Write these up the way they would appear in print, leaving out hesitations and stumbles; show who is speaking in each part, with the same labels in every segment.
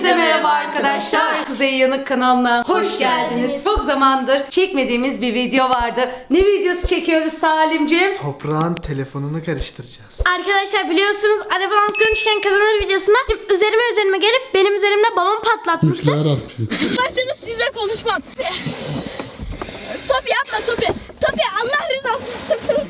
Speaker 1: Hepinize merhaba arkadaşlar. Kuzey Yanık kanalına hoş geldiniz. Çok zamandır çekmediğimiz bir video vardı. Ne videosu çekiyoruz Salimciğim?
Speaker 2: Toprağın telefonunu karıştıracağız.
Speaker 3: Arkadaşlar biliyorsunuz arabadan sürmüşken kazanır videosunda üzerime gelip benim üzerimde balon patlatmıştı. Başınız size konuşmam. Topi yapma Topi. Topi Allah rızası.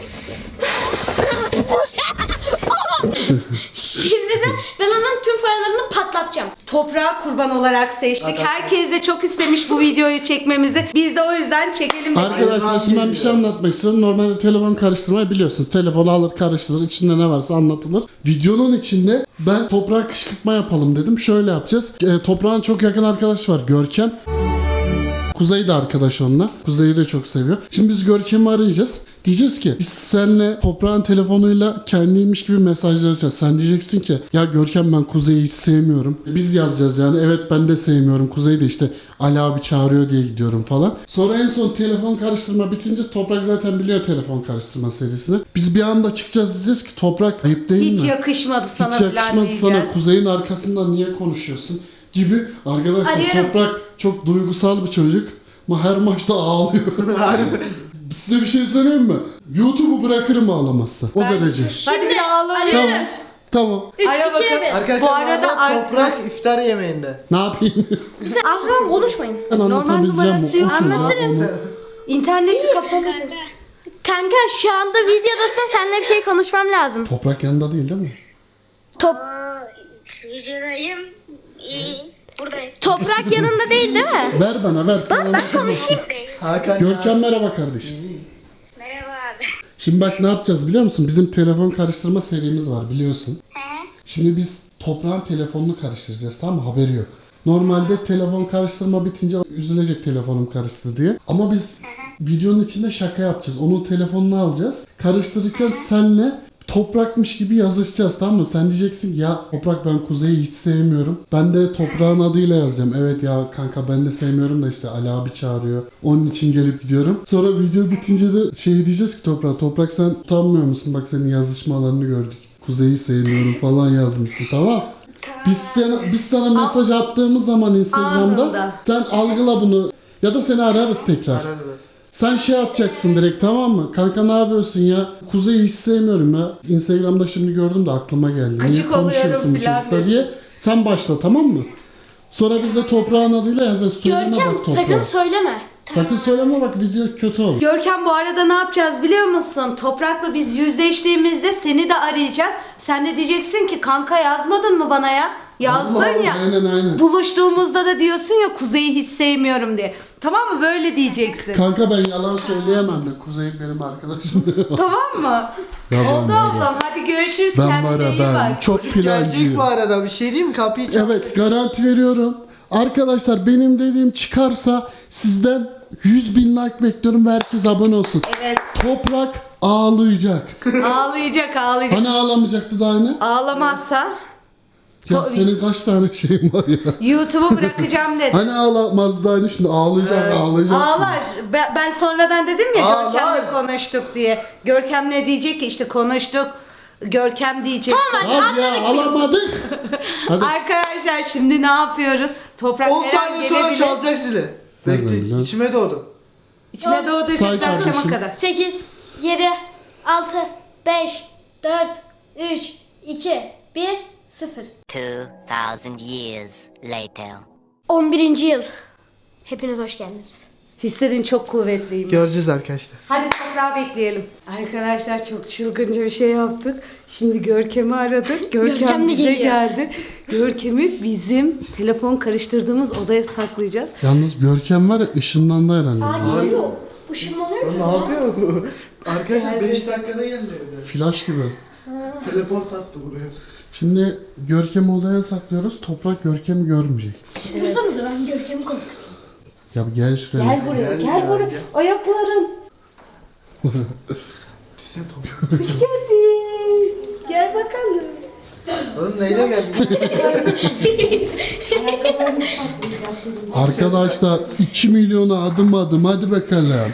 Speaker 3: Şimdi de ben onun tüm paralarını patlatacağım.
Speaker 1: Toprağı kurban olarak seçtik. Herkes de çok istemiş bu videoyu çekmemizi. Biz de o yüzden çekelim dedik.
Speaker 4: Arkadaşlar şimdi ben bir şey anlatmak istiyorum. Normalde telefon karıştırmayı biliyorsunuz. Telefonu alır karıştırır. İçinde ne varsa anlatılır. Videonun içinde ben toprağa kışkırtma yapalım dedim. Şöyle yapacağız. Toprağın çok yakın arkadaşı var. Görkem. Kuzey de arkadaş onunla. Kuzey'i de çok seviyor. Şimdi biz Görkem'i arayacağız. Diyeceğiz ki biz seninle toprağın telefonuyla kendiymiş gibi mesajlaşacağız. Sen diyeceksin ki ya Görkem ben Kuzey'i hiç sevmiyorum. Biz yazacağız yani evet ben de sevmiyorum. Kuzey de işte Ali abi çağırıyor diye gidiyorum falan. Sonra en son telefon karıştırma bitince Toprak zaten biliyor telefon karıştırma serisini. Biz bir anda çıkacağız diyeceğiz ki Toprak ayıp değil mi?
Speaker 1: Hiç yakışmadı sana
Speaker 4: Hiç
Speaker 1: falan
Speaker 4: yakışmadı
Speaker 1: diyeceğiz.
Speaker 4: sana. Kuzey'in arkasından niye konuşuyorsun gibi. Arkadaşlar
Speaker 3: Arıyorum.
Speaker 4: Toprak çok duygusal bir çocuk. Ama her maçta ağlıyor. Size bir şey söyleyeyim mi? YouTube'u bırakırım ağlamazsa. O derece.
Speaker 1: Hadi bir ağlayalım.
Speaker 3: Arıyorum.
Speaker 4: Tamam.
Speaker 3: 3,
Speaker 1: Ara
Speaker 3: 2,
Speaker 1: bakalım.
Speaker 3: 1.
Speaker 2: Arkadaşlar
Speaker 1: Bu arada
Speaker 2: Toprak iftar yemeğinde.
Speaker 4: Ne yapayım?
Speaker 3: Aslan konuşmayın.
Speaker 4: Ben anlatabileceğim
Speaker 1: numarası
Speaker 4: o
Speaker 1: yok.
Speaker 4: çocuğa
Speaker 3: Anlatırım.
Speaker 4: onu.
Speaker 1: İnterneti kapalı.
Speaker 3: Kanka şu anda videodasın, seninle bir şey konuşmam lazım.
Speaker 4: Toprak yanında değil mi?
Speaker 5: Videodayım. Buradayım.
Speaker 3: Toprak yanında değil mi?
Speaker 4: Ver bana ver. Sen anlatamazsın.
Speaker 2: Hakan
Speaker 4: Görkem merhaba kardeşim.
Speaker 5: Merhaba abi.
Speaker 4: Şimdi bak ne yapacağız biliyor musun? Bizim telefon karıştırma serimiz var biliyorsun. Şimdi biz toprağın telefonunu karıştıracağız tamam mı? Haberi yok. Normalde telefon karıştırma bitince üzülecek telefonum karıştı diye. Ama biz videonun içinde şaka yapacağız. Onun telefonunu alacağız. Karıştırırken senle Toprakmış gibi yazışacağız tamam mı? Sen diyeceksin ki ya Toprak ben Kuzey'i hiç sevmiyorum. Ben de Toprağın adıyla yazacağım. Evet ya kanka ben de sevmiyorum da işte Ali abi çağırıyor. Onun için gelip gidiyorum. Sonra video bitince de şey diyeceğiz ki Toprak sen utanmıyor musun? Bak senin yazışmalarını gördük. Kuzey'i sevmiyorum falan yazmışsın tamam. Biz sana mesaj attığımız zaman Instagram'da
Speaker 1: Anında.
Speaker 4: sen algıla bunu ya da seni ararız tekrar. Sen şey atacaksın direkt tamam mı? Kanka ne yapıyorsun ya? Kuzey'i hiç sevmiyorum ya. Instagram'da şimdi gördüm de aklıma geldi. Niye
Speaker 1: Gıcık oluyorum
Speaker 4: konuşuyorsun bu
Speaker 1: filan
Speaker 4: çocukla
Speaker 1: desin.
Speaker 4: diye. Sen başla tamam mı? Sonra biz de Toprağın adıyla yazacağız. Söyleme
Speaker 3: Görkem
Speaker 4: bak Toprağa.
Speaker 3: sakın söyleme.
Speaker 4: Sakın söyleme bak video kötü olur.
Speaker 1: Görkem bu arada ne yapacağız biliyor musun? Toprak'la biz yüzleştiğimizde seni de arayacağız. Sen de diyeceksin ki kanka yazmadın mı bana ya? Yazdın
Speaker 4: Allah Allah,
Speaker 1: ya.
Speaker 4: aynen.
Speaker 1: Buluştuğumuzda da diyorsun ya Kuzey'i hiç sevmiyorum diye. Tamam mı? Böyle diyeceksin.
Speaker 4: Kanka ben yalan söyleyemem de Kuzey benim arkadaşım.
Speaker 1: Tamam mı?
Speaker 4: Ya ben
Speaker 1: Oldu
Speaker 4: var ya.
Speaker 1: ablam. Hadi görüşürüz.
Speaker 4: Ben
Speaker 1: Kendine
Speaker 4: var ya
Speaker 1: iyi
Speaker 4: ben
Speaker 1: bak.
Speaker 4: çok
Speaker 2: Gelecek
Speaker 4: plancıyım.
Speaker 2: bu arada bir şey diyeyim mi? Kapıyı çal.
Speaker 4: Evet garanti veriyorum. Arkadaşlar benim dediğim çıkarsa sizden 100.000 like bekliyorum ve herkes abone olsun.
Speaker 1: Evet.
Speaker 4: Toprak ağlayacak.
Speaker 1: Ağlayacak.
Speaker 4: Hani ağlamayacaktı daha ne?
Speaker 1: Ağlamazsa
Speaker 4: Ya senin kaç tane şeyin var ya?
Speaker 1: YouTube'u bırakacağım dedi.
Speaker 4: Hani ağlamaz daha ne şimdi ağlayacak ağlayacak.
Speaker 1: Ağlar. Ben sonradan dedim ya
Speaker 2: Ağlar.
Speaker 1: Görkem'le konuştuk diye. Görkem ne diyecek ki işte konuştuk. Görkem diyecek.
Speaker 4: Az ya ağlamadık. Hadi.
Speaker 1: Arkadaşlar şimdi ne yapıyoruz? Toprak
Speaker 2: 10
Speaker 1: her an
Speaker 2: saniye sonra
Speaker 1: gelebilir.
Speaker 2: çalacak zili.
Speaker 4: Nereden
Speaker 2: Bekle
Speaker 4: biliyorsun?
Speaker 2: içime doğdu.
Speaker 1: İçine doğduysa
Speaker 4: Say
Speaker 1: biz akşama
Speaker 4: kardeşim.
Speaker 1: kadar.
Speaker 3: 8, 7, 6, 5, 4, 3, 2, 1, 0.
Speaker 6: 2,000 years later.
Speaker 3: 11. yıl. Hepiniz hoş geldiniz.
Speaker 1: Hislerin çok kuvvetliymiş.
Speaker 2: Göreceğiz arkadaşlar.
Speaker 1: Hadi toprağı bekleyelim. Arkadaşlar çok çılgınca bir şey yaptık. Şimdi Görkem'i aradık. Görkem
Speaker 3: Görkem de
Speaker 1: bize
Speaker 3: geliyor.
Speaker 1: geldi. Görkem'i bizim telefon karıştırdığımız odaya saklayacağız.
Speaker 4: Yalnız Görkem var ya ışınlandı herhalde.
Speaker 3: Geliyor. Işınlanıyor ki.
Speaker 2: Ne yapıyor bu? Arkadaşlar 5 dakikada geldi evde.
Speaker 4: Flash gibi.
Speaker 2: Teleport attı buraya.
Speaker 4: Şimdi Görkem'i odaya saklıyoruz. Toprak Görkem'i görmeyecek.
Speaker 3: Dursanıza ben Görkem'i korkutayım.
Speaker 4: Ya gel şuraya.
Speaker 1: Gel buraya,
Speaker 2: Gel,
Speaker 1: gel
Speaker 2: gel,
Speaker 1: buraya.
Speaker 2: gel.
Speaker 1: Ayakların.
Speaker 2: Sen toprak.
Speaker 1: Hoş geldin. Gel bakalım.
Speaker 2: Oğlum neyle geldin?
Speaker 1: Ayakkabılarını saklayacağız senin.
Speaker 4: Arkadaşlar 2 milyona adım hadi bakalım.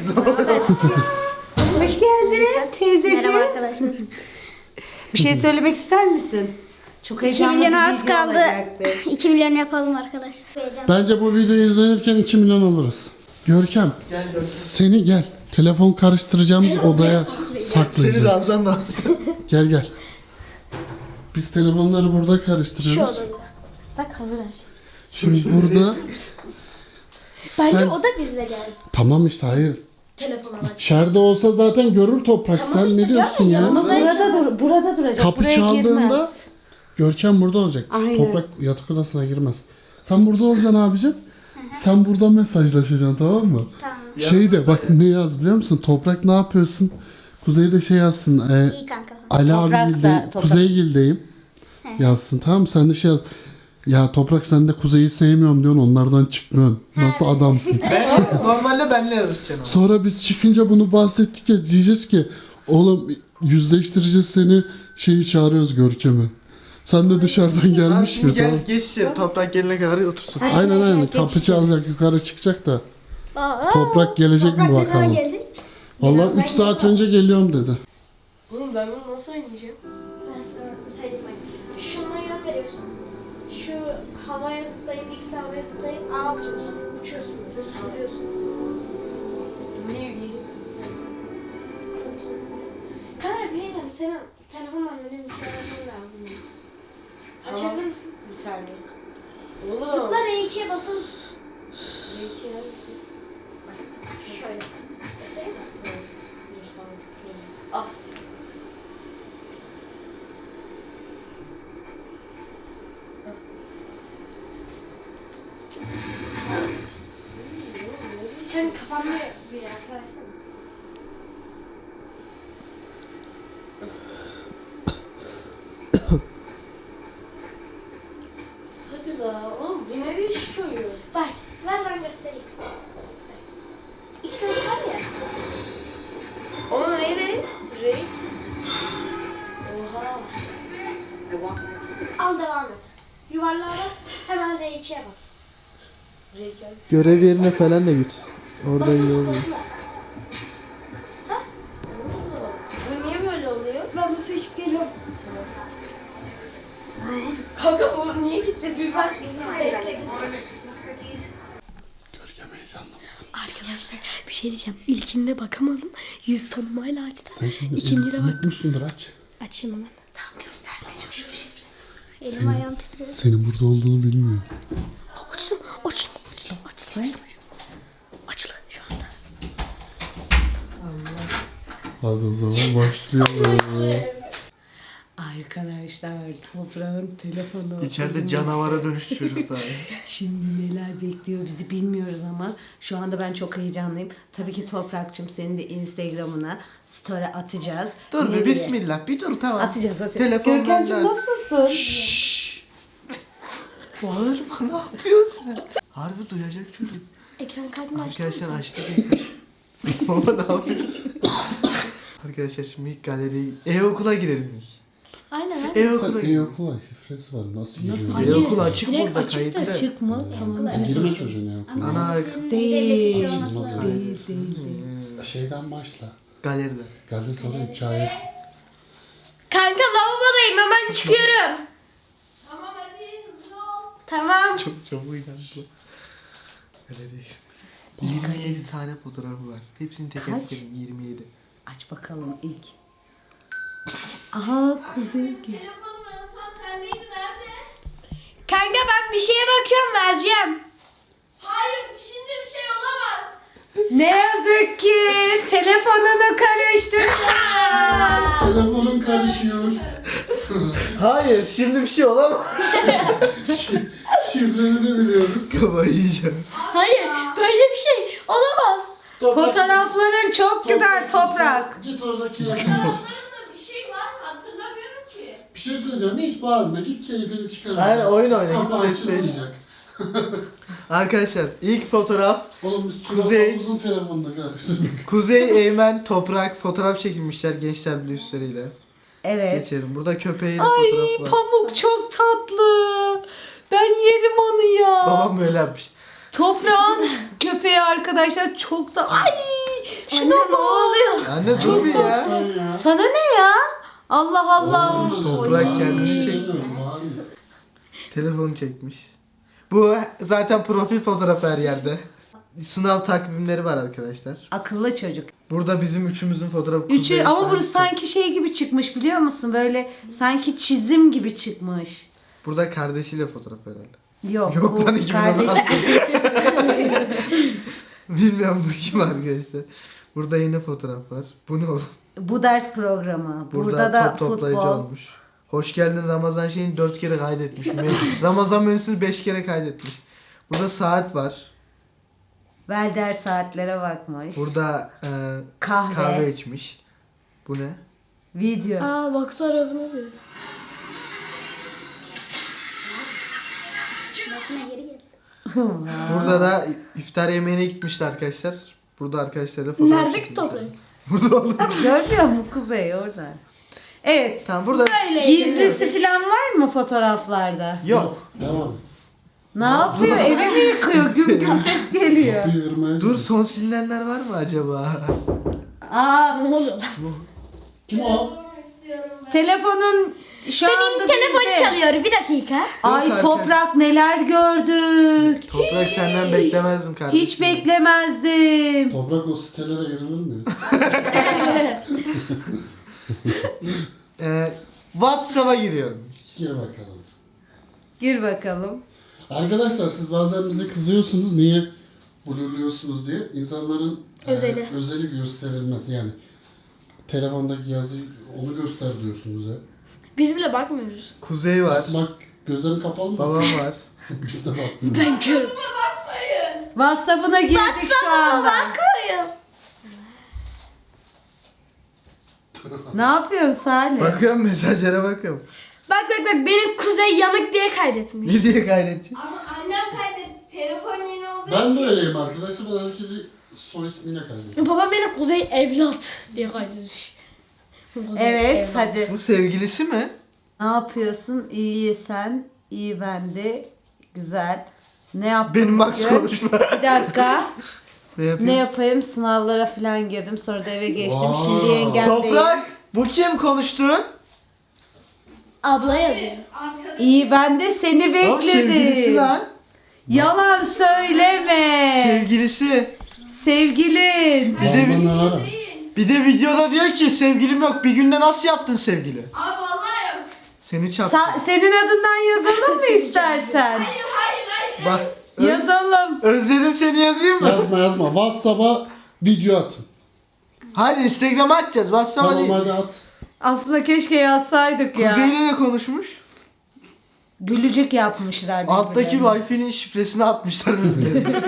Speaker 1: Hoş geldin teyzeciğim.
Speaker 3: Merhaba arkadaşlar.
Speaker 1: Bir şey söylemek ister misin? Çok
Speaker 3: 2
Speaker 1: heyecanlı bir
Speaker 3: milyona az
Speaker 1: video
Speaker 3: kaldı.
Speaker 1: olacaktı.
Speaker 3: 2 milyon yapalım arkadaşlar. Heyecan.
Speaker 4: Bence bu videoyu izlenirken 2 milyon oluruz. Görkem, seni gel. Telefon karıştıracağımız odaya
Speaker 2: Seni
Speaker 4: saklayacağız.
Speaker 2: Ramazan'la.
Speaker 4: Gel gel. Biz telefonları burada
Speaker 3: Şu
Speaker 4: karıştırıyoruz.
Speaker 3: odada. Bak hazır her şey.
Speaker 4: Şimdi burada
Speaker 3: Bence
Speaker 4: sen...
Speaker 3: o da bizle gelsin.
Speaker 4: Tamam işte hayır.
Speaker 3: Telefona bak.
Speaker 4: İçeride olsa zaten görür Toprak.
Speaker 3: Tamam
Speaker 4: Sen
Speaker 3: işte,
Speaker 4: ne diyorsun
Speaker 3: görme,
Speaker 4: ya?
Speaker 3: yanımızda-
Speaker 1: Burada duracak.
Speaker 4: Kapı
Speaker 1: Buraya
Speaker 4: çaldığında
Speaker 1: girmez.
Speaker 4: Görkem burada olacak.
Speaker 1: Aynen.
Speaker 4: Toprak yatak odasına girmez. Sen burada olacaksın abicim. Sen burada mesajlaşacaksın, tamam mı?
Speaker 3: Tamam.
Speaker 4: Şey de bak ne yaz biliyor musun? Toprak ne yapıyorsun? Kuzey'de şey yazsın.
Speaker 3: İyi kanka.
Speaker 4: Ali
Speaker 1: Toprak
Speaker 4: abi
Speaker 1: da- Toprak-
Speaker 4: Kuzeygil'deyim. Yazsın, tamam mı? Sen de şey yaz. Ya Toprak sen de Kuzey'i sevmiyorum diyorsun, onlardan çıkmıyorsun. Nasıl adamsın?
Speaker 2: Normalde benle yazışacaksın ama.
Speaker 4: Sonra biz çıkınca bunu bahsettik ya, diyeceğiz ki oğlum yüzleştireceğiz seni, şeyi çağırıyoruz Görkem'i. Sen de dışarıdan
Speaker 2: Abi
Speaker 4: gelmiş
Speaker 2: şimdi
Speaker 4: gibi,
Speaker 2: gel
Speaker 4: tamam.
Speaker 2: geç içeri. Toprak gelene kadar otursun.
Speaker 4: Aynen aynen, kapı çalacak, yukarı çıkacak da. Toprak gelecek
Speaker 3: Toprak
Speaker 4: mi
Speaker 3: ne zaman
Speaker 4: bakalım?
Speaker 3: gelecek?
Speaker 4: Vallahi 3 saat önce geliyorum dedi.
Speaker 7: Oğlum ben bunu nasıl oynayacağım?
Speaker 3: Ben sana söyleyeyim bak. Şuna yön veriyorsun. Şu havaya zıplayıp, X havaya zıplayıp A yapıyorsun. Uçuyorsun böyle, sürüyorsun.
Speaker 7: Ne bileyim.
Speaker 3: Kanka bir yerim, senin telefonla benim bir şey yapmam lazım. Açabilir misin?
Speaker 7: Bir saniye. Oğlum.
Speaker 3: Zıpla R2'ye basılı tut.
Speaker 7: Belki hangisi?
Speaker 3: Şöyle. Göstereyim mi?
Speaker 7: Dur tamam. Al.
Speaker 3: Hem kafamda bir yaklaşsana.
Speaker 7: Hadi la. Oğlum bu ne değişik oyun?
Speaker 3: Bak, ver ben göstereyim. X var ya.
Speaker 7: Oğlum ne renk? Renk. Oha.
Speaker 3: Al devam et. Yuvarlığa bas, hemen R2'ye bas.
Speaker 7: Renk gel.
Speaker 2: Görev yerine falan da git. Orada iyi
Speaker 3: Basılı
Speaker 2: oluyor.
Speaker 3: basılı.
Speaker 7: Bu niye böyle oluyor?
Speaker 1: Ben bu su içip geliyorum.
Speaker 7: Kanka bu niye gitti? Bir bak.
Speaker 4: Görkem heyecanlı mısın?
Speaker 3: Arkadaşlar bir şey diyeceğim. İlkinde bakamadım. Yüz tanımayla açtım.
Speaker 4: Sen şimdi
Speaker 3: İkinciye bak.
Speaker 4: unutmuşsundur, aç.
Speaker 3: Açayım hemen. Tamam gösterme çocuğun şifresi. Elim ayağım titriyor.
Speaker 4: Senin burada olduğunu bilmiyor.
Speaker 3: Açtım. Açtım. Açtım. Açtı şu anda.
Speaker 4: Hadi o zaman başlayalım.
Speaker 1: Arkadaşlar Toprağın telefonu.
Speaker 2: İçeride canavara dönüştü çocuklar.
Speaker 1: Şimdi neler bekliyor bizi bilmiyoruz ama şu anda ben çok heyecanlıyım. Tabii ki Toprak'cığım senin de Instagram'ına story atacağız.
Speaker 2: Dur
Speaker 1: Nereye?
Speaker 2: bir bismillah. Bir dur tamam.
Speaker 1: Atacağız.
Speaker 2: Telefon
Speaker 1: Görkemciğim
Speaker 2: benden.
Speaker 1: nasılsın?
Speaker 2: Bağırma ne yapıyorsun sen? Harbi duyacak çocuk.
Speaker 3: Ekran kaydını açtım.
Speaker 2: Arkadaşlar açtık ekranı. Baba ne yapıyorsun? Arkadaşlar şimdi ilk galeriye e-okula girelim ilk.
Speaker 3: Aynen aynen.
Speaker 2: E-okula
Speaker 4: Sen e-okula şifresi var, nasıl giriyor?
Speaker 2: E-okul açık
Speaker 3: Direkt
Speaker 2: burada
Speaker 3: açık da
Speaker 2: kayıtlı.
Speaker 1: Çık mı? Tamam.
Speaker 4: Girme çocuğun e-okuluna.
Speaker 2: Ana
Speaker 1: Değil.
Speaker 4: Olmaz öyle.
Speaker 1: Değil.
Speaker 4: Şeyden başla.
Speaker 2: galeride.
Speaker 4: Geldi sana hikaye.
Speaker 3: Kanka lavabodayım hemen çıkıyorum. Tamam hadi hızlı ol. Tamam.
Speaker 2: Çok çabuk inandı. Galeri. 27 tane fotoğrafı var. Hepsini teker
Speaker 1: Kaç?
Speaker 2: teker 27.
Speaker 1: Aç bakalım ilk. Aha Kuzey.
Speaker 3: Telefonum en son sendeydi nerede? Kanka ben bir şeye bakıyorum vereceğim. Hayır şimdi bir şey olamaz.
Speaker 1: Ne yazık ki telefonunu karıştırdın.
Speaker 4: Telefonun karışıyor.
Speaker 2: Hayır şimdi bir şey olamaz.
Speaker 4: Şifreni de biliyoruz.
Speaker 2: Kafayı yiyeceğim.
Speaker 3: Hayır böyle bir şey olamaz.
Speaker 1: Fotoğrafların çok güzel Toprak.
Speaker 4: Git oradaki evine.
Speaker 3: Bir şey var mı hatırlamıyorum ki.
Speaker 4: Bir şey söyleyeceğim, hiç bağırma. Git keyfini çıkar.
Speaker 2: Aynen, oyun oyna, git
Speaker 4: Kapı
Speaker 2: PlayStation.
Speaker 4: açılmayacak.
Speaker 2: Arkadaşlar ilk fotoğraf
Speaker 4: Oğlum biz
Speaker 2: Kuzey-
Speaker 4: uzun telefonla karıştırdık.
Speaker 2: Kuzey, Eymen, Toprak fotoğraf çekilmişler gençler birliği üstleriyle.
Speaker 1: Evet.
Speaker 2: Geçelim. Burada köpeğin
Speaker 1: Ay
Speaker 2: fotoğrafı var.
Speaker 1: Pamuk çok tatlı. Ben yerim onu ya.
Speaker 2: Babam böyle yapmış.
Speaker 1: Toprağın köpeği arkadaşlar çok da ay şuna
Speaker 3: Anne,
Speaker 1: bak.
Speaker 3: ne oluyor?
Speaker 2: Anne çok iyi ya.
Speaker 4: Sen ya.
Speaker 1: Sana ne ya? Allah Allah.
Speaker 2: Toprak kendini çek.
Speaker 4: Bağırma.
Speaker 2: Telefonu çekmiş. Bu zaten profil fotoğrafı her yerde. Sınav takvimleri var arkadaşlar.
Speaker 1: Akıllı çocuk.
Speaker 2: Burada bizim üçümüzün fotoğrafı.
Speaker 1: Üçü
Speaker 2: Kuzey,
Speaker 1: ama
Speaker 2: ben-
Speaker 1: bu sanki şey gibi çıkmış biliyor musun? Böyle sanki çizim gibi çıkmış.
Speaker 2: Burada kardeşiyle fotoğraf herhalde.
Speaker 1: Yok,
Speaker 2: Yok
Speaker 1: bu
Speaker 2: lan 2016.
Speaker 1: kardeş.
Speaker 2: Bilmiyorum bu kim arkadaşlar. Burada yine fotoğraf var. Bu ne oğlum?
Speaker 1: Bu ders programı.
Speaker 2: Burada
Speaker 1: Burada da
Speaker 2: top toplayıcı
Speaker 1: futbol.
Speaker 2: olmuş. Hoş geldin Ramazan şeyini 4 kere kaydetmiş. Ramazan menüsünü 5 kere kaydetmiş. Burada saat var.
Speaker 1: Velder saatlere bakmış.
Speaker 2: Burada
Speaker 1: Kahve.
Speaker 2: kahve içmiş. Bu ne?
Speaker 1: Video.
Speaker 3: Aa baksana yazma diyor.
Speaker 2: Burada da iftar yemeğine gitmişti arkadaşlar. Burada arkadaşlarla fotoğraf
Speaker 3: Nerede ki
Speaker 2: çekildi.
Speaker 3: toplayın?
Speaker 2: Burada oğlum.
Speaker 1: Görmüyor musun Kuzey orada? Evet.
Speaker 2: Tamam burada
Speaker 1: Gizlisi falan var mı fotoğraflarda?
Speaker 2: yok.
Speaker 4: Devam et.
Speaker 1: Ne yapıyor? Evi mi yıkıyor? Güm güm ses geliyor.
Speaker 4: Kapıyı ırmaya
Speaker 2: Dur son silinenler var mı acaba?
Speaker 1: Aa,
Speaker 3: Ne oluyor lan?
Speaker 4: Kim o?
Speaker 1: telefonun şu anda
Speaker 3: Benim telefon
Speaker 1: bizde.
Speaker 3: çalıyor bir dakika.
Speaker 1: Ay
Speaker 2: Yok,
Speaker 1: Toprak neler gördük.
Speaker 2: Toprak senden beklemezdim kardeşim.
Speaker 1: Hiç beklemezdim.
Speaker 4: Toprak o sitelere girilir mi?
Speaker 2: WhatsApp'a giriyorum.
Speaker 4: Gir bakalım.
Speaker 1: Gir bakalım.
Speaker 4: Arkadaşlar siz bazen bize kızıyorsunuz niye blurluyorsunuz diye. İnsanların
Speaker 3: Özeli.
Speaker 4: özeli gösterilmez yani. Telefondaki yazıyı onu göster diyorsunuz hep.
Speaker 3: Biz bile bakmıyoruz.
Speaker 2: Kuzey var.
Speaker 4: Nasıl bak gözlerin kapalı mı?
Speaker 2: Babam var.
Speaker 4: Biz de bakmıyoruz.
Speaker 3: Ben körüm.
Speaker 1: WhatsApp'ına girdik şu anda.
Speaker 3: Bakmayın.
Speaker 1: Ne yapıyorsun Salih?
Speaker 2: Bakıyorum mesajlara bakıyorum.
Speaker 3: Bak benim Kuzey yanık diye kaydetmiş.
Speaker 2: Ne diye kaydedeceğim?
Speaker 7: Ama annem kaydetti. Telefon yeni olduğu
Speaker 4: Ben de
Speaker 7: için.
Speaker 4: öyleyim arkadaşlar. Ben herkesi soy ismiyle kaydediyorum.
Speaker 3: Babam beni Kuzey evlat diye kaydetmiş. Kuzey
Speaker 1: Evet
Speaker 3: evlat.
Speaker 1: hadi.
Speaker 2: Bu sevgilisi mi?
Speaker 1: Ne yapıyorsun? İyi sen, iyi ben de. Güzel. Ne yaptın
Speaker 2: Benim Max
Speaker 1: bugün?
Speaker 2: konuşma.
Speaker 1: Bir dakika.
Speaker 2: Ne yapıyorsun?
Speaker 1: Ne yapayım? Sınavlara falan girdim. Sonra da eve geçtim.
Speaker 4: Vay.
Speaker 1: Şimdi yengemdeyim.
Speaker 2: Toprak! Bu kim konuştuğun?
Speaker 3: Abla yazıyor.
Speaker 7: Arkadaş
Speaker 1: İyi ben de seni
Speaker 2: Oğlum sevgilisi
Speaker 1: bekledim.
Speaker 2: lan.
Speaker 1: Yalan söyleme.
Speaker 2: Sevgilisi.
Speaker 1: Sevgilin.
Speaker 4: Baba ne ara?
Speaker 2: Bir de videoda diyor ki sevgilim yok. Bir günde nasıl yaptın sevgili?
Speaker 7: Abi vallahi yok.
Speaker 2: Seni çarptı.
Speaker 1: Senin adından yazalım mı istersen?
Speaker 7: Hayır.
Speaker 2: Bak.
Speaker 1: Yazalım.
Speaker 2: Özledim seni yazayım mı?
Speaker 4: Yazma. WhatsApp'a video atın.
Speaker 2: Hadi Instagram'a atacağız. WhatsApp'a
Speaker 4: Tamam
Speaker 2: değil.
Speaker 4: hadi at.
Speaker 1: Aslında keşke yazsaydık ya.
Speaker 2: Kuzey'le ne konuşmuş?
Speaker 1: Gülücük yapmışlar
Speaker 2: Alttaki
Speaker 1: birbirlerine.
Speaker 2: Wi-Fi'nin şifresini atmışlar birbirlerine.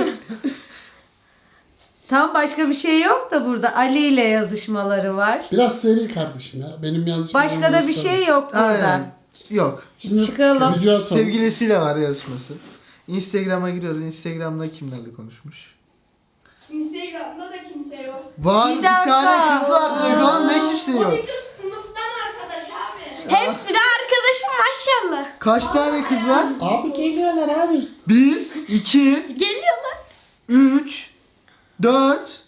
Speaker 1: Tam başka bir şey yok da burada Ali ile yazışmaları var.
Speaker 4: Biraz seri kardeşim ya. Benim yazışım.
Speaker 1: Başka da bir şey yok burada.
Speaker 2: Aynen. Yok.
Speaker 4: Şimdi
Speaker 1: Çıkalım.
Speaker 4: video atalım.
Speaker 2: Sevgilisiyle var yazışması. Instagram'a giriyoruz. Instagram'da kimlerle konuşmuş?
Speaker 7: Instagram'da da kimse yok.
Speaker 2: Vay
Speaker 1: Bir
Speaker 2: bir,
Speaker 1: dakika.
Speaker 2: tane kız var direkt oğlum ne kimse yok.
Speaker 7: O bir kız sınıftan arkadaş abi.
Speaker 3: Hepsi de arkadaşım maşallah.
Speaker 2: Kaç tane kız var?
Speaker 4: Abi geliyorlar abi.
Speaker 2: 1, 2,
Speaker 3: Geliyorlar.
Speaker 2: 3, 4,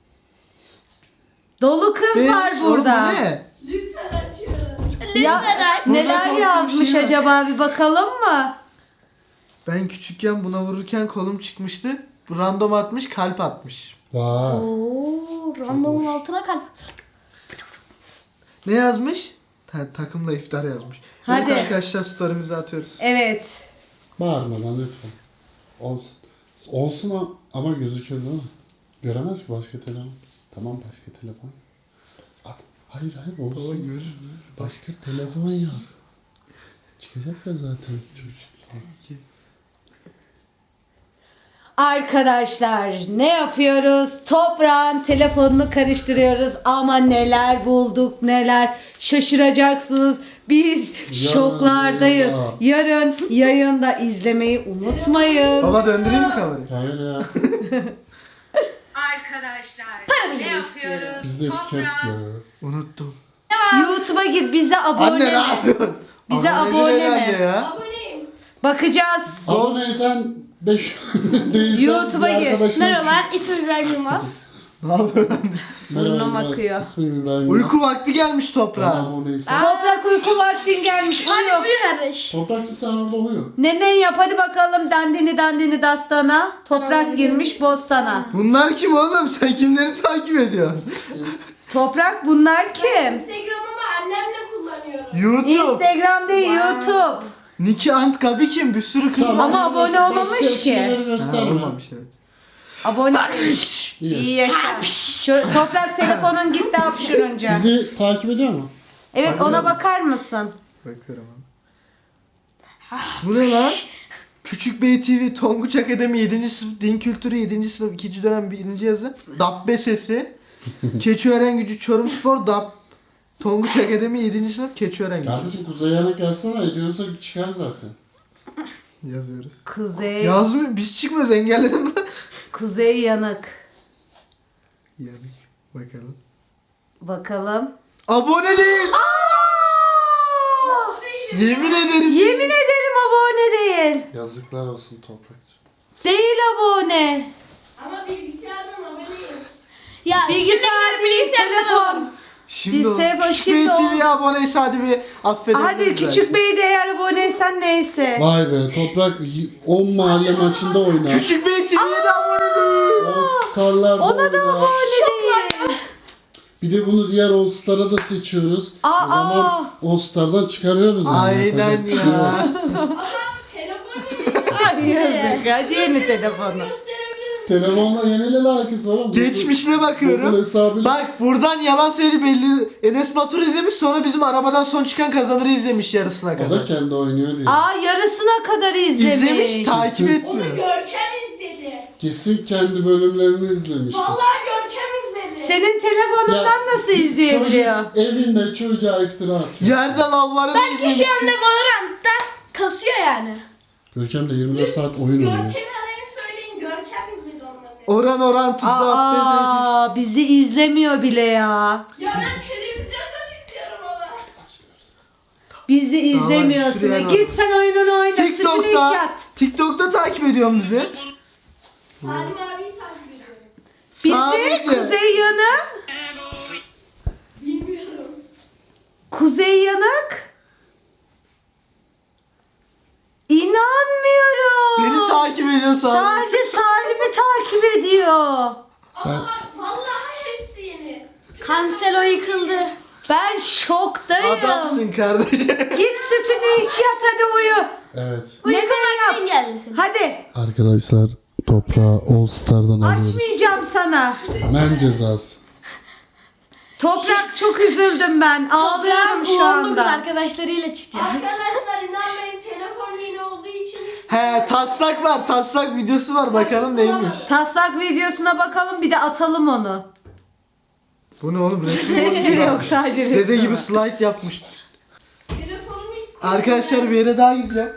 Speaker 1: Dolu kız
Speaker 2: 5.
Speaker 1: var burada.
Speaker 2: Ne?
Speaker 7: Lütfen açıyorum.
Speaker 1: Ya, neler
Speaker 2: Burada
Speaker 1: yazmış
Speaker 2: korkunç bir şey var.
Speaker 1: acaba bir bakalım mı?
Speaker 2: Ben küçükken buna vururken kolum çıkmıştı. Bu random atmış kalp atmış.
Speaker 4: Vay.
Speaker 3: Oo, randomun altına kalp.
Speaker 2: Ne yazmış? Takımla iftar yazmış.
Speaker 1: Hadi.
Speaker 2: Evet arkadaşlar story'mizi atıyoruz.
Speaker 1: Evet.
Speaker 4: Bağırmadan lütfen. Olsun. Olsun ama gözükür değil mi? Göremez ki başka telefon. Tamam başka telefon. At. Hayır olsun.
Speaker 2: Baba görür.
Speaker 4: Başka telefon ya. Çıkacak ya zaten çocuk.
Speaker 1: Arkadaşlar ne yapıyoruz? Toprağın telefonunu karıştırıyoruz ama neler bulduk neler şaşıracaksınız. Biz
Speaker 4: Yarın
Speaker 1: şoklardayız.
Speaker 4: yayında.
Speaker 1: Yarın yayında izlemeyi unutmayın.
Speaker 2: Baba döndüreyim mi kamerayı?
Speaker 4: Hayır ya.
Speaker 1: Arkadaşlar ne yapıyoruz?
Speaker 4: Bizde etiket ya.
Speaker 2: Unuttum.
Speaker 1: YouTube'a gir bize abone
Speaker 2: Anne ne
Speaker 1: mi?
Speaker 2: yapıyorsun?
Speaker 1: Bize
Speaker 2: Abone
Speaker 1: abone
Speaker 2: herhalde
Speaker 1: mi?
Speaker 2: ya.
Speaker 7: Aboneyim.
Speaker 1: Bakacağız.
Speaker 4: Aboneysen 5 değilsen
Speaker 1: YouTube'a
Speaker 4: bir
Speaker 1: gir.
Speaker 4: arkadaşına-
Speaker 3: Merhabalar, ismim İbrahim Yılmaz.
Speaker 2: Ne yapıyorsun?
Speaker 1: Burnum
Speaker 4: Merhaba,
Speaker 1: akıyor.
Speaker 4: İsmim İbrahim.
Speaker 2: Uyku vakti gelmiş
Speaker 4: Bana
Speaker 2: toprağa.
Speaker 4: aboneyiz.
Speaker 1: Toprak uyku vaktin gelmiş.
Speaker 3: Hadi
Speaker 1: Uyu.
Speaker 3: buyur kardeş.
Speaker 4: Toprakçım sen orada uyu.
Speaker 1: Nene yap hadi bakalım dandini dastana. Toprak girmiş bostana.
Speaker 2: Bunlar kim oğlum? Sen kimleri takip ediyorsun?
Speaker 1: Toprak bunlar kim?
Speaker 7: Instagram'ımı annemle kullanıyorum.
Speaker 2: YouTube.
Speaker 1: Instagram değil YouTube.
Speaker 2: Niki Antkabi kim? Bir sürü kız var.
Speaker 1: Ama abone
Speaker 4: Başka
Speaker 1: olmamış ki.
Speaker 4: şeyleri
Speaker 2: Ha,
Speaker 4: gösterme.
Speaker 2: olmamış evet.
Speaker 1: Abone.
Speaker 4: İyi.
Speaker 1: İyi yaşa. Toprak telefonun gitti hapşırınca.
Speaker 4: Bizi takip ediyor mu?
Speaker 1: Evet ona bakar mısın?
Speaker 2: Bakıyorum abi. Bu ne lan? Küçük Bey TV, Tonguç Akademi 7. sınıf, Din Kültürü 7. sınıf 2. dönem 1. yazı, Dabbe Sesi, Keçiören Gücü Çorum Spor, Tonguç Akademi 7. sınıf, Keçiören Gücü.
Speaker 4: Kardeşim Kuzey Yanık yazsana, ediyorsa çıkar zaten.
Speaker 2: Yazıyoruz.
Speaker 1: Kuzey.
Speaker 2: Yazmıyor, biz çıkmıyoruz, engelledim lan.
Speaker 1: Kuzey yanık.
Speaker 2: Yani bakalım.
Speaker 1: Bakalım.
Speaker 2: Abone değil. Yemin ederim.
Speaker 1: Yemin ederim abone değil.
Speaker 4: Yazıklar olsun Toprakçım.
Speaker 1: Değil abone.
Speaker 7: Ama bilgisayardan aboneyim.
Speaker 3: Ya
Speaker 1: Bilgisayar değil telefon.
Speaker 2: Şimdi
Speaker 1: Biz
Speaker 2: oldu.
Speaker 1: telefon-
Speaker 2: Küçük
Speaker 1: şimdi
Speaker 2: Bey
Speaker 1: oldu.
Speaker 2: TV'ye aboneyse hadi bir affedelim.
Speaker 1: Hadi küçük bey de eğer aboneysen neyse.
Speaker 4: Vay be Toprak 10 mahalle maçında oynar.
Speaker 2: Küçük Bey TV'ye de abone değil.
Speaker 4: All Star'larda
Speaker 1: Ona da
Speaker 4: oynar.
Speaker 1: abone değil.
Speaker 4: Bir de bunu diğer All Star'a da seçiyoruz.
Speaker 1: Aa.
Speaker 4: O zaman All Star'dan çıkarıyoruz yani.
Speaker 2: Aynen
Speaker 4: Yapacak bir şey yok.
Speaker 2: ya.
Speaker 7: Telefon değil.
Speaker 1: Ay yazık. Hadi yeni telefonu.
Speaker 7: Gösterebilirim.
Speaker 4: Telefonla yeniyle alakası var ama.
Speaker 2: Geçmişine
Speaker 4: Google
Speaker 2: bakıyorum.
Speaker 4: hesabıyla.
Speaker 2: Bak buradan yalan söyledi belli. Enes Batur izlemiş, sonra bizim arabadan son çıkan kazanırı izlemiş yarısına
Speaker 4: O da
Speaker 2: kadar.
Speaker 4: kendi oynuyor diye.
Speaker 1: Aa yarısına kadar izlemiş.
Speaker 2: İzlemiş, takip
Speaker 4: Kesin.
Speaker 7: Onu
Speaker 2: etmiyor.
Speaker 7: Görkem izledi.
Speaker 4: Kesin kendi bölümlerini izlemiştir.
Speaker 7: Vallahi Görkem izledi.
Speaker 1: Senin telefonundan
Speaker 4: Ya,
Speaker 1: nasıl izleyebiliyor?
Speaker 4: Çocuk evinde çocuğa iftira atıyor.
Speaker 2: Yerden avları da izlemiş.
Speaker 3: şu anda Valorant'ta kasıyor yani.
Speaker 4: Görkem de 24 saat oyun oynuyor.
Speaker 7: Görkem'i arayın söyleyin. Görkem izledi onları.
Speaker 2: Oran tuttu.
Speaker 1: Aa bizi izlemiyor bile ya.
Speaker 7: Ya ben televizyondan izliyorum ama.
Speaker 1: Bizi izlemiyorsun.
Speaker 2: sürüyor
Speaker 1: Git sen oyununu oyna. Sütünü iç
Speaker 2: TikTok'ta,
Speaker 1: yat.
Speaker 2: TikTok'ta takip ediyorum bizi.
Speaker 7: Salim abiyi takip ediyorum.
Speaker 1: Bizi
Speaker 2: Sadece.
Speaker 1: Kuzey Yanık.
Speaker 7: Bilmiyorum.
Speaker 2: Beni
Speaker 1: Kuzey Yanık. İnanmıyorum.
Speaker 2: takip ediyorsan.
Speaker 1: Sadece Salim'i takip ediyor.
Speaker 4: Sen,
Speaker 7: Bak vallahi hepsi yeni.
Speaker 3: Cancelo yıkıldı.
Speaker 1: Ben şoktayım.
Speaker 2: Adamsın kardeşim.
Speaker 1: Git sütünü iç yat hadi uyu.
Speaker 4: evet.
Speaker 1: Ne yap?
Speaker 3: Uyku geldi senin.
Speaker 1: Hadi.
Speaker 4: Arkadaşlar toprağı All Star'dan alıyoruz.
Speaker 1: Açmayacağım sana.
Speaker 4: Men cezası.
Speaker 1: Toprak çok üzüldüm ben. Ağlıyorum şu
Speaker 3: Toprağın kız
Speaker 1: anda.
Speaker 3: arkadaşlarıyla çıkacağız.
Speaker 7: Arkadaşlar inanmayın telefon yeni olduğu için
Speaker 2: He taslak var, taslak videosu var, bakalım neymiş.
Speaker 1: Taslak videosuna bakalım bir de atalım onu.
Speaker 2: Bu ne oğlum, resim
Speaker 1: Yok sadece resim
Speaker 2: Dede gibi
Speaker 1: var.
Speaker 2: slide yapmış.
Speaker 7: telefonumu istiyorum.
Speaker 2: Arkadaşlar bir yere daha gideceğim.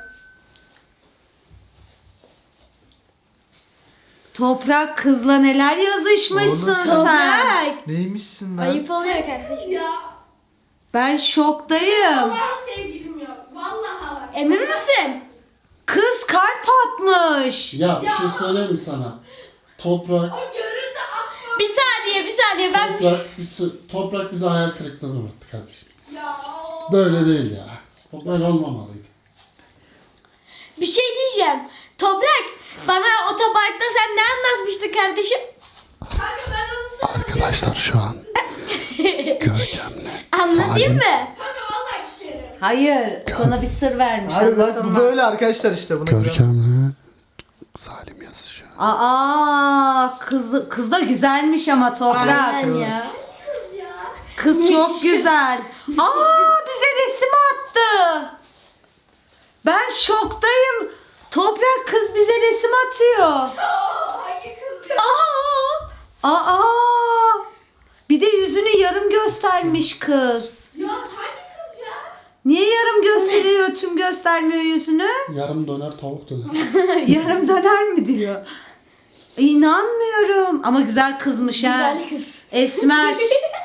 Speaker 1: Toprak kızla neler yazışmışsın
Speaker 2: Oğlum sen-
Speaker 1: sen.
Speaker 3: Toprak.
Speaker 2: Neymişsin lan?
Speaker 3: Ayıp oluyor kardeşim.
Speaker 7: Ya
Speaker 1: Ben şoktayım.
Speaker 7: vallahi sevgilim yok. Vallahi bak.
Speaker 3: Emin misin?
Speaker 1: Kız kalp atmış.
Speaker 4: Ya bir şey söyleyeyim mi sana? Toprak,
Speaker 7: O görüldü atma.
Speaker 3: Bir saniye ben
Speaker 4: toprak bizi hayal kırıklığına uğrattı kardeşim.
Speaker 7: Ya.
Speaker 4: Böyle değil ya. O böyle olmamalıydı.
Speaker 3: bir şey diyeceğim. Toprak bana otoparkta sen ne anlatmıştın kardeşim?
Speaker 7: Kanka ben onu sana
Speaker 4: Arkadaşlar şu an Görkem'le
Speaker 3: Anlatayım mı?
Speaker 7: Kanka vallahi isterim.
Speaker 1: Hayır sana bir sır vermiş
Speaker 2: Hayır bak bu
Speaker 1: anlatılmaz.
Speaker 2: böyle arkadaşlar işte buna.
Speaker 4: Görkem'le Salim yazışıyor.
Speaker 1: Aa kız da güzelmiş ama Toprak.
Speaker 3: Aynen ya.
Speaker 7: Kız ya.
Speaker 1: Kız çok güzel. Aa bize resim attı. Ben şoktayım. Toprak kız bize resim atıyor.
Speaker 7: Hangi kız ya?
Speaker 1: Aa. Bir de yüzünü yarım göstermiş kız.
Speaker 7: Ya hangi kız ya?
Speaker 1: Niye yarım gösteriyor, tüm göstermiyor yüzünü?
Speaker 4: Yarım döner tavuk döner.
Speaker 1: Yarım döner mi diyor. İnanmıyorum. Ama güzel kızmış ha.
Speaker 3: Güzel kız.
Speaker 1: Esmer.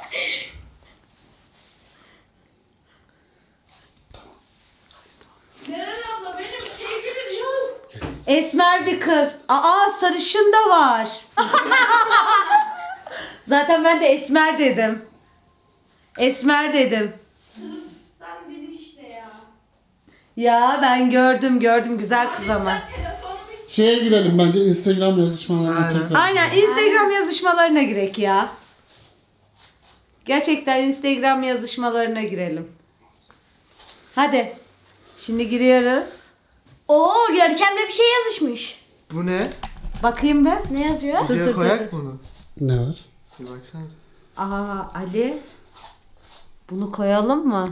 Speaker 7: Ceren abla benim sevgilim yok.
Speaker 1: Esmer bir kız. Aa sarışın da var. Zaten ben de Esmer dedim. Esmer dedim.
Speaker 7: Sırıktan biri işte ya.
Speaker 1: Ya ben gördüm güzel kız ama.
Speaker 7: Lütfen telefonumu istedim.
Speaker 4: Şeye girelim bence Instagram yazışmalarına
Speaker 2: Aynen.
Speaker 4: tekrar.
Speaker 1: Aynen Instagram yazışmalarına girek ya. Gerçekten Instagram yazışmalarına girelim. Hadi. Şimdi giriyoruz.
Speaker 3: Oo Görkem'le bir şey yazışmış.
Speaker 2: Bu ne?
Speaker 1: Bakayım ben.
Speaker 3: Ne yazıyor?
Speaker 2: Videoya koyak mı bunu?
Speaker 4: Ne var?
Speaker 2: Bir baksana.
Speaker 1: Aa Ali. Bunu koyalım mı?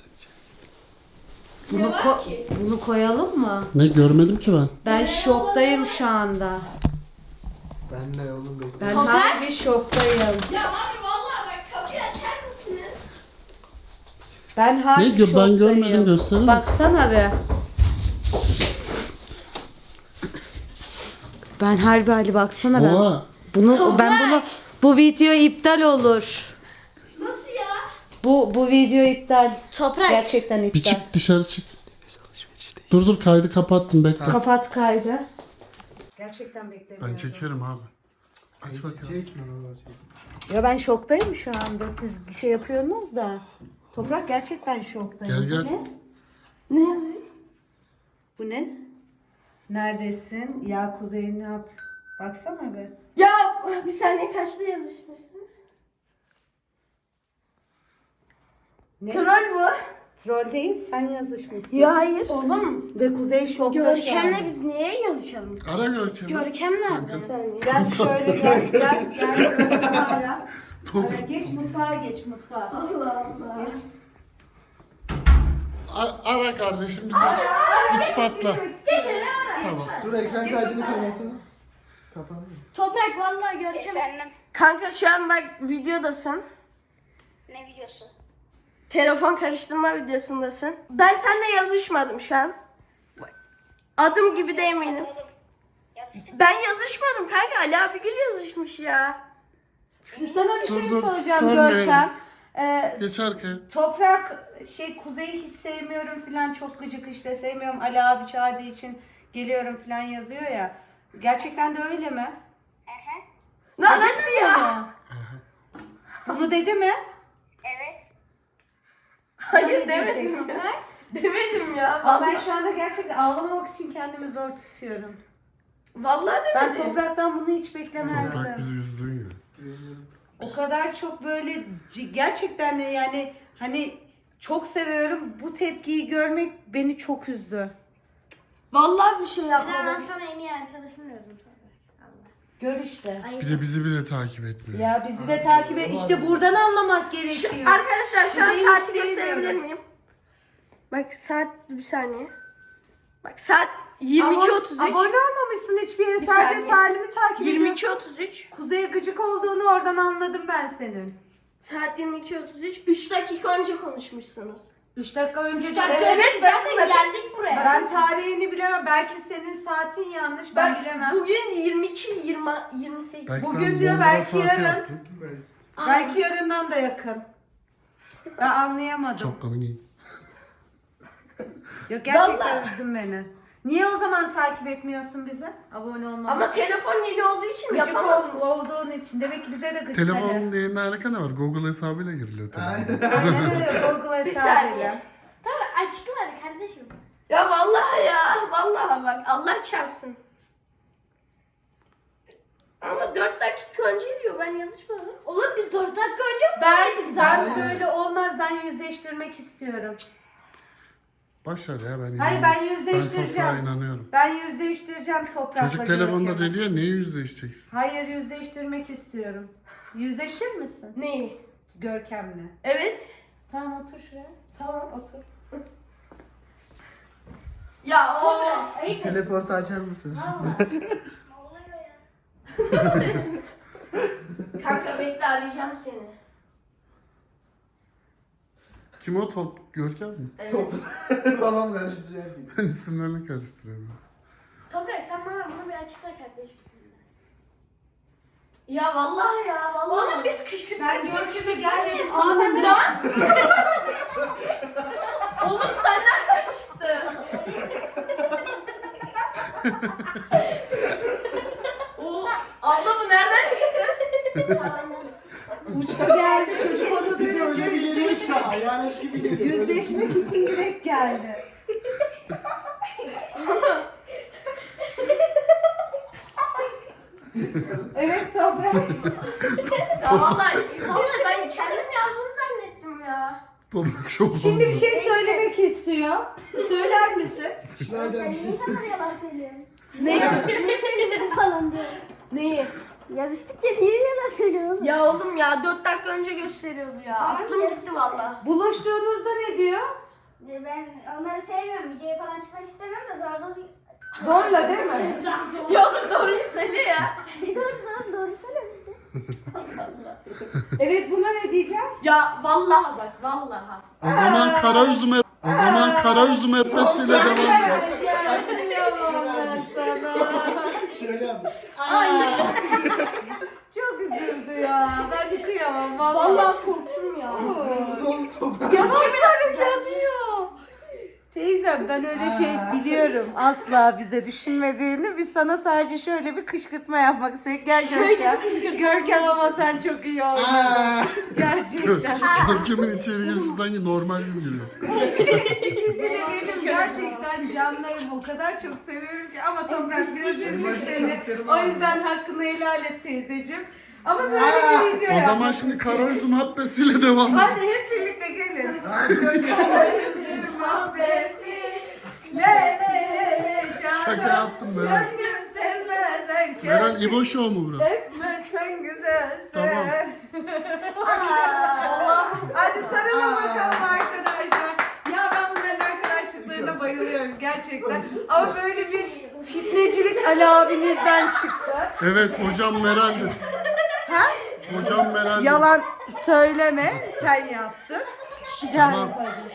Speaker 1: Bunu,
Speaker 7: var ki?
Speaker 1: bunu koyalım mı?
Speaker 4: Ne görmedim ki ben.
Speaker 1: Ben şoktayım şu anda.
Speaker 2: Ben de oğlum bekle.
Speaker 1: Ben
Speaker 3: Toprak?
Speaker 1: harbi şoktayım.
Speaker 7: Ya abi vallahi bak kapıyı açar mısınız?
Speaker 1: Ben harbi
Speaker 4: Ne
Speaker 1: şoktayım.
Speaker 4: ben görmedim, gösterir misin?
Speaker 1: Baksana be. Ben harbi Ali baksana ben.
Speaker 4: Oha.
Speaker 1: Bu video iptal olur.
Speaker 7: Nasıl ya?
Speaker 1: Bu video iptal.
Speaker 3: Toprak.
Speaker 1: Gerçekten
Speaker 4: Bir
Speaker 1: iptal.
Speaker 4: çık dışarı çık. Dur kaydı kapattım bekle.
Speaker 1: Kapat kaydı. Gerçekten beklemiyorum.
Speaker 4: Ben çekerim abi. Aç bakalım.
Speaker 2: Çekme oğlum, çekme.
Speaker 1: Ya ben şoktayım şu anda. Siz şey yapıyorsunuz da. Toprak gerçekten şoktayım.
Speaker 4: Gel,
Speaker 1: Bu
Speaker 4: gel.
Speaker 1: ne?
Speaker 3: Ne yazıyor?
Speaker 1: Bu ne? Neredesin? Ya Kuzey ne yap? Baksana be.
Speaker 3: Ya bir saniye kaçta yazışmışsınız?
Speaker 1: Ne?
Speaker 3: Troll bu.
Speaker 1: Troll değil, sen yazışmışsın.
Speaker 3: Ya hayır. Oğlum
Speaker 1: Ve Kuzey şokta şu an.
Speaker 3: Görkem'le biz niye yazışalım?
Speaker 4: Ara Görkem'i.
Speaker 3: Görkem nerede? Bir saniye.
Speaker 1: Gel şöyle gel. Mutfağa ara.
Speaker 4: Top.
Speaker 1: Ara, geç mutfağa.
Speaker 3: Allah Allah.
Speaker 4: Ara kardeşim bizi. İspatla. Tamam.
Speaker 2: Dur ekran kaydını kapatsana. Kapanmıyor.
Speaker 3: Toprak vallahi Görkem.
Speaker 5: Efendim,
Speaker 3: Kanka şu an bak videodasın.
Speaker 5: ne biliyorsun?
Speaker 3: Telefon karıştırma videosundasın. Ben seninle yazışmadım şu an. Adım gibi de eminim.
Speaker 5: Oğlum, yazıştık.
Speaker 3: Ben yazışmadım kanka. Ali Abigül yazışmış ya.
Speaker 1: Sana bir şey
Speaker 4: Dur,
Speaker 1: soracağım
Speaker 4: sorma
Speaker 1: Görkem.
Speaker 4: Geç arkaya.
Speaker 1: Toprak Kuzey'i hiç sevmiyorum falan, çok gıcık işte, sevmiyorum, Ali abi çağırdığı için geliyorum falan yazıyor ya. Gerçekten de öyle mi?
Speaker 3: Lan nasıl ya?
Speaker 1: Bunu dedi mi?
Speaker 5: Evet.
Speaker 3: Hayır
Speaker 1: Öyle
Speaker 3: demedim
Speaker 1: diyeceksin.
Speaker 3: ya. Demedim ya.
Speaker 1: Ama ben
Speaker 3: Vallahi,
Speaker 1: şu anda gerçekten ağlamamak için kendimi zor tutuyorum.
Speaker 3: vallahi
Speaker 1: Ben
Speaker 3: demedim.
Speaker 1: Toprak'tan bunu hiç
Speaker 4: Bırak
Speaker 1: beklemezdim.
Speaker 4: bizi üzdün ya.
Speaker 1: O kadar çok böyle gerçekten de yani hani çok seviyorum. Bu tepkiyi görmek beni çok üzdü.
Speaker 3: Vallahi bir şey yapmadım.
Speaker 7: Ben sana en iyi arkadaşım diyordum.
Speaker 1: Gör işte.
Speaker 4: Bir de bizi bile takip etmiyor.
Speaker 1: Ya bizi de takip et. İşte buradan anlamak gerekiyor.
Speaker 3: Arkadaşlar şu an
Speaker 1: Kuzey'i
Speaker 3: saati
Speaker 1: sevmiyorum.
Speaker 3: gösterebilir miyim? Bak saat bir saniye. Bak saat 22.33.
Speaker 1: Abone olmamışsın hiçbir yere.
Speaker 3: Bir
Speaker 1: Sadece
Speaker 3: saniye.
Speaker 1: Salim'i takip ediyorsun.
Speaker 3: 22.33.
Speaker 1: Kuzey'e gıcık olduğunu oradan anladım ben senin.
Speaker 3: Saat 22.33. 3 dakika önce konuşmuşsunuz.
Speaker 1: 3 dakika önce
Speaker 3: 3 dakika evet zaten geldik buraya.
Speaker 1: Ben tarihini bilemem. Belki senin saatin yanlış. Ben bilemem.
Speaker 3: Bugün 28.
Speaker 4: Belki
Speaker 1: Bugün
Speaker 4: sen
Speaker 1: diyor,
Speaker 4: bomba
Speaker 1: belki
Speaker 4: saati
Speaker 1: yarın.
Speaker 4: yaptın.
Speaker 1: Belki yarından da yakın. Ben anlayamadım.
Speaker 4: Çok komik.
Speaker 1: Yok gerçekten
Speaker 3: Vallahi.
Speaker 1: üzdün beni. Niye o zaman takip etmiyorsun bize? Abone olmamak.
Speaker 3: Ama telefon yeni olduğu için
Speaker 1: gıcık
Speaker 3: yapamadım.
Speaker 1: olduğun için. Demek ki bize de gıcık.
Speaker 4: Telefonun yayınla alaka ne var? Google hesabıyla giriliyor telefon.
Speaker 1: Aynen öyle. Google
Speaker 3: Bir
Speaker 1: hesabıyla.
Speaker 3: saniye. Tamam açıkla hadi kardeşim. Ya vallahi ya. Vallahi bak Allah çarpsın. Ama 4 dakika önce diyor ben yazışmadım. Oğlum biz 4 dakika önce
Speaker 1: Ben
Speaker 3: zaten.
Speaker 1: böyle olmaz. Ben yüzleştirmek istiyorum.
Speaker 4: Başar ya ben
Speaker 1: Hayır,
Speaker 4: inanıyorum.
Speaker 1: ben
Speaker 4: Ben
Speaker 1: yüzleştireceğim.
Speaker 4: toprağa inanıyorum.
Speaker 1: Ben yüzleştireceğim Toprak'la.
Speaker 4: Çocuk telefonda
Speaker 1: Görkem'i.
Speaker 4: dedi ya niye yüzleşeceksin?
Speaker 1: Hayır, yüzleştirmek istiyorum. Yüzleşir misin
Speaker 3: Neyi?
Speaker 1: Görkem'le?
Speaker 3: Evet.
Speaker 1: Tamam, otur şuraya.
Speaker 3: Tamam otur. Ya o. Ayıp.
Speaker 2: Teleportu açar mısın?
Speaker 3: Kanka bekle arayacağım seni.
Speaker 4: Kim o top? Görkem mi?
Speaker 3: Evet.
Speaker 2: Babam karıştırıyor.
Speaker 4: Ben isimlerini karıştırıyorum.
Speaker 3: Toprak sen bana bunu bir açıkla kardeşim. Ya vallahi ya vallahi. Oğlum biz kışkırtma.
Speaker 1: Ben Görkem'e gelmedim.
Speaker 3: Lan.
Speaker 1: Anında.
Speaker 3: Oğlum sen nereden çıktın? o abla bu nereden çıktı?
Speaker 2: Hayalet gibi geliyor.
Speaker 1: Yüzleşmek için direkt geldi. Evet Toprak.
Speaker 7: Ya vallahi ben kendim yazdım zannettim ya.
Speaker 4: Toprak şok
Speaker 1: Şimdi
Speaker 4: oldu.
Speaker 1: bir şey söylemek istiyor. Söyler misin?
Speaker 2: Şuradan bir şey
Speaker 5: İnsanlar yalan söylüyor.
Speaker 7: Neyi?
Speaker 5: Ne söyledin falan diyor.
Speaker 7: Neyi?
Speaker 5: Yazıştık ya niye yalan söylüyorsun?
Speaker 7: Ya oğlum ya 4 dakika önce gösteriyordu ya. Aklım gitti valla.
Speaker 1: Buluştuğunuzda ne diyor?
Speaker 5: Ben onları sevmiyorum. Videoya falan çıkmak istemiyorum da zar zor.
Speaker 1: Zorla değil mi?
Speaker 7: Yok doğruyu söyle ya.
Speaker 5: Doğru söylüyorum işte.
Speaker 1: Evet buna ne diyeceğim?
Speaker 7: Ya vallahi bak vallahi.
Speaker 4: O zaman kara üzüm etmesiyle devam et.
Speaker 1: Kıyamam sana.
Speaker 2: şöyle yapmış.
Speaker 1: Çok üzüldü ya. Ben de kıyamam vallahi.
Speaker 7: Vallahi korktum ya.
Speaker 2: Zor toprak.
Speaker 1: Ya bir yazıyor. Teyzem ben öyle şey biliyorum. Asla bize düşünmediğini. Biz sana sadece şöyle bir kışkırtma yapmak istedik. Gel Görkem. Görkem ama sen çok iyi oynadın. Gerçekten.
Speaker 4: Görkem'in içeri girişi sanki normal gibi geliyor.
Speaker 1: İkisi de benim gerçekten canlarım. O kadar çok seviyorum ki. Ama Toprak biraz üzdük seni. O yüzden hakkını helal et teyzeciğim. Ama böyle bir video
Speaker 4: O zaman
Speaker 1: yapmak
Speaker 4: şimdi
Speaker 1: istedim.
Speaker 4: kara üzüm habbesiyle devam et.
Speaker 1: Hadi hep birlikte gelin. Kara mahbesi. Le le le le.
Speaker 4: Şaka yaptım Meral.
Speaker 1: Gönlüm sevmez herkes.
Speaker 4: Meral İbo Show mu burası?
Speaker 1: Esmer sen güzelsin.
Speaker 4: Tamam.
Speaker 1: Hadi sarılın bakalım arkadaşlar. Ya ben bunların arkadaşlıklarına bayılıyorum gerçekten. Ama böyle bir fitnecilik Ali abinizden çıktı.
Speaker 4: Evet hocam Meral'dir.
Speaker 1: Ha?
Speaker 4: Hocam Meral'dir.
Speaker 1: Yalan söyleme, sen yaptın.
Speaker 4: Tamam.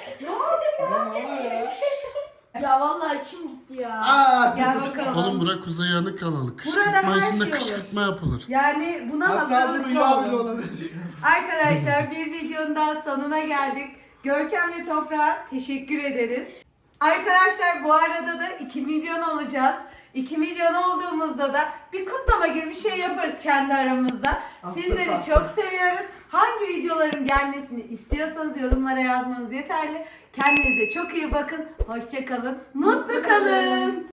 Speaker 7: Ya vallahi içim gitti ya.
Speaker 1: Gel bakalım.
Speaker 4: Oğlum bura Kuzey Yanık kanalı.
Speaker 1: Burada
Speaker 4: Kışkırtma
Speaker 1: her
Speaker 4: içinde
Speaker 1: şey olur.
Speaker 4: kışkırtma yapılır.
Speaker 1: Yani buna
Speaker 2: Hatta bu
Speaker 1: hazırlıklı
Speaker 2: rüya bile
Speaker 1: olun.
Speaker 2: olabilir.
Speaker 1: Arkadaşlar bir videonun daha sonuna geldik. Görkem ve Toprak'a teşekkür ederiz. Arkadaşlar bu arada da 2 milyon olacağız. 2 milyon olduğumuzda da bir kutlama gibi bir şey yaparız kendi aramızda. Sizleri çok seviyoruz. Hangi videoların gelmesini istiyorsanız yorumlara yazmanız yeterli. Kendinize çok iyi bakın. Hoşça kalın. Mutlu kalın.